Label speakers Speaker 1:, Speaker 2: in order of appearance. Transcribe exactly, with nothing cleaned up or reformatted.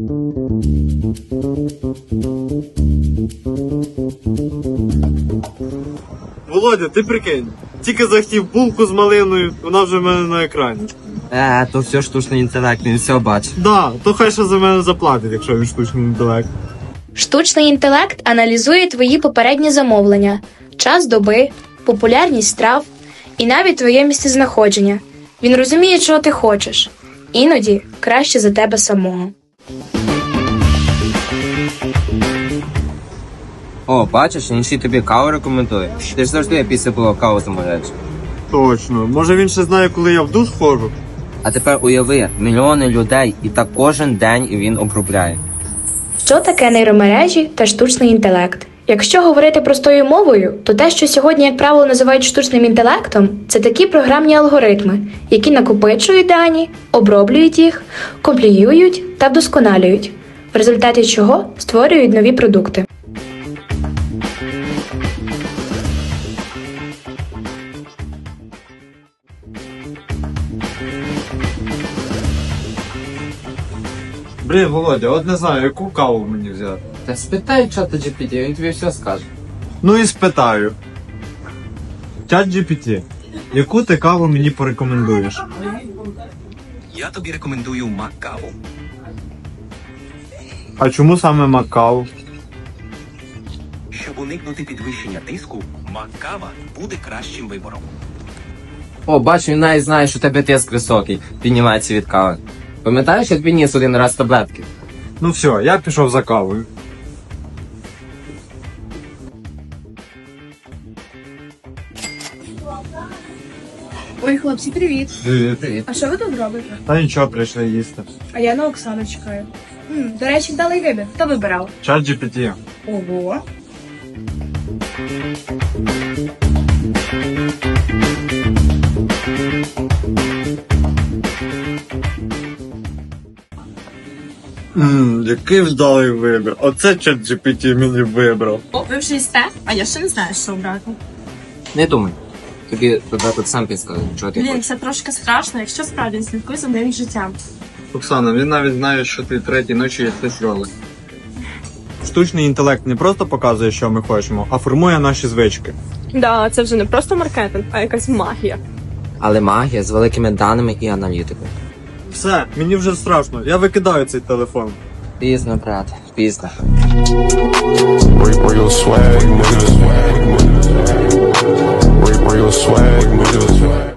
Speaker 1: Володя, ти прикинь, тільки захотів булку з малиною, вона вже в мене на екрані.
Speaker 2: Е, то все штучний інтелект, він все бачить.
Speaker 1: Да, то хай ще за мене заплатить, якщо він штучний інтелект.
Speaker 3: Штучний інтелект аналізує твої попередні замовлення, час доби, популярність страв і навіть твоє місцезнаходження. Він розуміє, чого ти хочеш. Іноді краще за тебе самого.
Speaker 2: О, бачиш, він ще й тобі каву рекомендує. Ти ж завжди після пива каву замовляєш.
Speaker 1: Точно. Може він ще знає, коли я в душ ходжу?
Speaker 2: А тепер уяви, мільйони людей, і так кожен день він обробляє.
Speaker 3: Що таке нейромережі та штучний інтелект? Якщо говорити простою мовою, то те, що сьогодні, як правило, називають штучним інтелектом, це такі програмні алгоритми, які накопичують дані, оброблюють їх, компліюють та вдосконалюють, в результаті чого створюють нові продукти.
Speaker 1: Блін, Володя, от не знаю, яку каву мені взяти.
Speaker 2: Та спитай чата джі пі ті, він тобі все скаже.
Speaker 1: Ну і спитаю. Чат джі пі ті, яку ти каву мені порекомендуєш?
Speaker 4: Я тобі рекомендую Мак-каву.
Speaker 1: А чому саме Маккаву?
Speaker 4: Щоб уникнути підвищення тиску, Мак-кава буде кращим вибором.
Speaker 2: О, бачу, він навіть знає, що у тебе тиск високий, піднімається від кави. Пам'ятаєш, я тобі ніс один раз таблетки?
Speaker 1: Ну все, я пішов за кавою.
Speaker 5: Ой, хлопці, привіт.
Speaker 1: Привіт.
Speaker 2: Привіт.
Speaker 5: А що ви тут робите?
Speaker 1: Та нічого, прийшли їсти.
Speaker 5: А я на Оксану чекаю. М, до речі, вдалий вибір. Хто вибирав?
Speaker 1: Чат джі пі ті.
Speaker 5: Ого.
Speaker 1: Ммм, який вдалий вибір. Оце чат джі пі ті мені вибрав.
Speaker 6: О, ви вже їсте? А я ще не знаю, що обрати.
Speaker 2: Не думай. Тобі туди тут сам підскаже, чого ти
Speaker 6: Блін,
Speaker 2: хочеш.
Speaker 6: це трошки страшно, якщо справді слідкуй за моїм життям.
Speaker 1: Оксана, він навіть знає, що ти третій ночі їсти роли. Штучний інтелект не просто показує, що ми хочемо, а формує наші звички.
Speaker 6: Да, це вже не просто маркетинг, а якась магія.
Speaker 2: Але магія з великими даними і аналітикою.
Speaker 1: Все, мені вже страшно, я викидаю цей телефон.
Speaker 2: Пізно, брат, пізно.
Speaker 7: Where, where your swag, nigga? Where, where your swag, nigga?